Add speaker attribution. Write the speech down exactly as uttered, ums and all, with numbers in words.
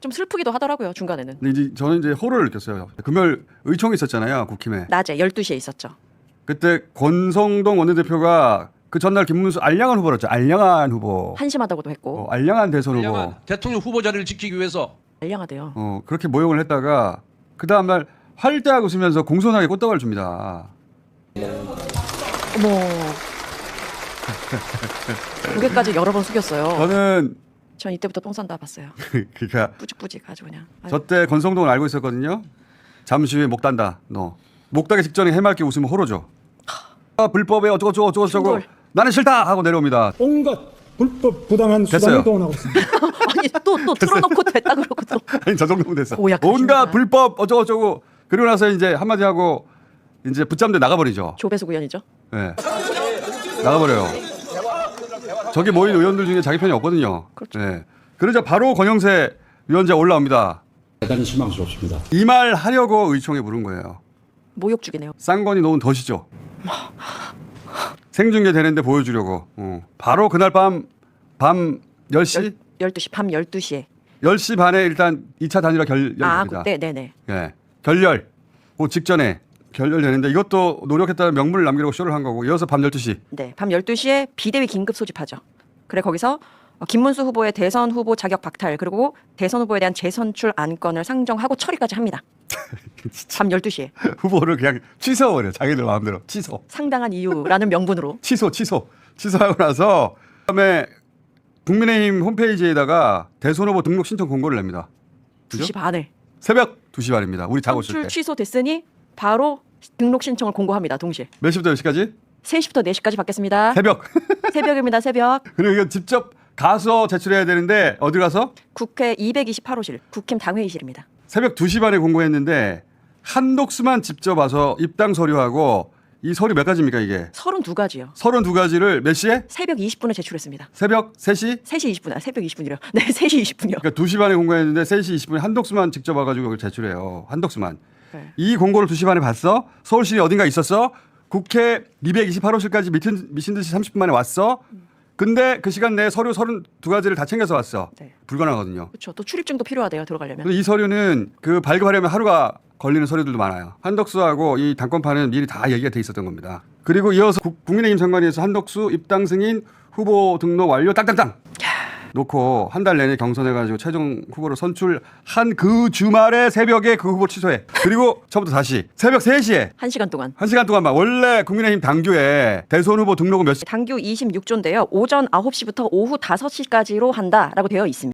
Speaker 1: 좀 슬프기도 하더라고요, 중간에는.
Speaker 2: 근데 이제 저는 이제 호를 느꼈어요. 금요일 의총이 있었잖아요, 국힘에.
Speaker 1: 낮에 열두 시에 있었죠.
Speaker 2: 그때 권성동 원내대표가 그 전날 김문수 알량한 후보였죠. 알량한 후보.
Speaker 1: 한심하다고도 했고.
Speaker 2: 어, 알량한 대선 후보.
Speaker 3: 알량한 대통령 후보 자리를 지키기 위해서
Speaker 1: 알량하대요.
Speaker 2: 어, 그렇게 모욕을 했다가 그 다음날 활대하고 웃으면서 공손하게 꽃다발을 줍니다.
Speaker 1: 어머. 고개까지 여러 번 숙였어요.
Speaker 2: 저는
Speaker 1: 전 이때부터 똥 싼다 봤어요.
Speaker 2: 그러니까
Speaker 1: 뿌직뿌직 아주 그냥. 아유.
Speaker 2: 저 때 권성동을 알고 있었거든요. 잠시 후에 목 단다. 너. 목 따기 직전에 해맑게 웃으면 호로죠. 아, 불법에 어쩌고저쩌고 어쩌고저쩌고
Speaker 1: 충돌.
Speaker 2: 나는 싫다 하고 내려옵니다.
Speaker 4: 온갖 불법 부당한
Speaker 2: 됐어요.
Speaker 4: 수단을 동원하고 있습니다.
Speaker 1: 아니 또 또 틀어놓고 됐다 그러고 또.
Speaker 2: 아니 저 정도면 됐어.
Speaker 1: 고약하십니다.
Speaker 2: 온갖 불법 어쩌고저쩌고 그리고 나서 이제 한마디 하고 이제 붙잡는데 나가버리죠.
Speaker 1: 조배수 구현이죠.
Speaker 2: 네. 나가버려요. 저기 모인 의원들 중에 자기 편이 없거든요.
Speaker 1: 그렇죠.
Speaker 2: 네. 그러자 바로 권영세 위원장 올라옵니다.
Speaker 4: 대단히 실망스럽습니다.
Speaker 2: 이 말 하려고 의총에 부른 거예요.
Speaker 1: 모욕죽이네요.
Speaker 2: 쌍건이 놓은 덫이죠. 생중계 되는데 보여주려고. 어. 바로 그날 밤, 밤 열 시?
Speaker 1: 열두 시 밤 열두 시에.
Speaker 2: 열 시 반에 일단 이 차 단일화 결렬됩니다.
Speaker 1: 아, 그때 네네.
Speaker 2: 예. 결렬. 그 직전에 결렬되는데 이것도 노력했다는 명분을 남기려고 쇼를 한 거고 이어서 밤 열두 시.
Speaker 1: 네, 밤 열두 시에 비대위 긴급 소집하죠. 그래 거기서 김문수 후보의 대선 후보 자격 박탈 그리고 대선 후보에 대한 재선출 안건을 상정하고 처리까지 합니다. 밤 열두 시에.
Speaker 2: 후보를 그냥 취소해버려. 자기들 마음대로. 취소.
Speaker 1: 상당한 이유라는 명분으로.
Speaker 2: 취소, 취소. 취소하고 나서 그다음에 국민의힘 홈페이지에다가 대선 후보 등록 신청 공고를 냅니다.
Speaker 1: 두 시 반에.
Speaker 2: 새벽 두 시 반입니다. 우리 자고 있을
Speaker 1: 선출
Speaker 2: 때.
Speaker 1: 취소됐으니 바로 등록 신청을 공고합니다. 동시에.
Speaker 2: 몇 시부터 몇 시까지?
Speaker 1: 세 시부터 네 시까지 받겠습니다.
Speaker 2: 새벽.
Speaker 1: 새벽입니다. 새벽.
Speaker 2: 그리고 이거 직접 가서 제출해야 되는데 어디 가서?
Speaker 1: 국회 이백이십팔 호실 국힘 당회의실입니다.
Speaker 2: 새벽 두 시 반에 공고했는데 한독수만 직접 와서 입당 서류하고 이 서류 몇 가지입니까 이게?
Speaker 1: 서른두 가지요.
Speaker 2: 서른두 가지를 몇 시에?
Speaker 1: 새벽 이십 분에 제출했습니다.
Speaker 2: 새벽 세 시?
Speaker 1: 세 시 이십 분. 아, 새벽 이십 분이래요. 네, 세 시 이십 분이요.
Speaker 2: 그러니까 두 시 반에 공고했는데 세 시 이십 분에 한독수만 직접 와가지고 그걸 제출해요. 한독수만.
Speaker 1: 네.
Speaker 2: 이 공고를 두 시 반에 봤어? 서울시 어딘가 있었어? 국회 이백이십팔 호실까지 미친, 미친 듯이 삼십 분 만에 왔어? 근데 그 시간 내에 서류 서른두 가지를 다 챙겨서 왔어.
Speaker 1: 네.
Speaker 2: 불가능하거든요.
Speaker 1: 그렇죠. 또 출입증도 필요하대요. 들어가려면.
Speaker 2: 근데 이 서류는 그 발급하려면 하루가 걸리는 서류들도 많아요. 한덕수하고 이 당권판은 미리 다 얘기가 돼 있었던 겁니다. 그리고 이어서 국, 국민의힘 선관위에서 한덕수 입당 승인 후보 등록 완료 땅땅땅 놓고 한 달 내내 경선해가지고 최종 후보를 선출한 그 주말에 새벽에 그 후보 취소해. 그리고 처음부터 다시 새벽 세 시에
Speaker 1: 한 시간 동안.
Speaker 2: 한 시간 동안만 원래 국민의힘 당규에 대선 후보 등록은 몇 시?
Speaker 1: 당규 이십육 조인데요. 오전 아홉 시부터 오후 다섯 시까지로 한다라고 되어 있습니다.